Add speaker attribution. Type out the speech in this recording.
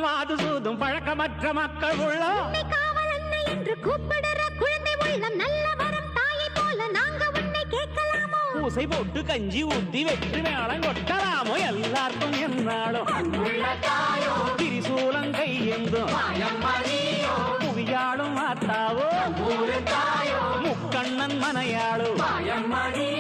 Speaker 1: மாது சூதும் பழக்கமற்ற மக்கள் உள்ளம்
Speaker 2: காவல் அன்னை என்று கூப்பிடுற குழந்தை உள்ளம் நல்ல வரம் தாயை போல நாங்க உன்னை கேட்கலாமோ
Speaker 1: பூசை போட்டு கஞ்சி ஊத்தி வெற்றி மேளம் கொட்டலாமோ எல்லாருக்கும் என்னாலும் திரிசூலம் கையெந்தும் புவியாளும் மாத்தாவோ முக்கண்ணன் மனையாளோ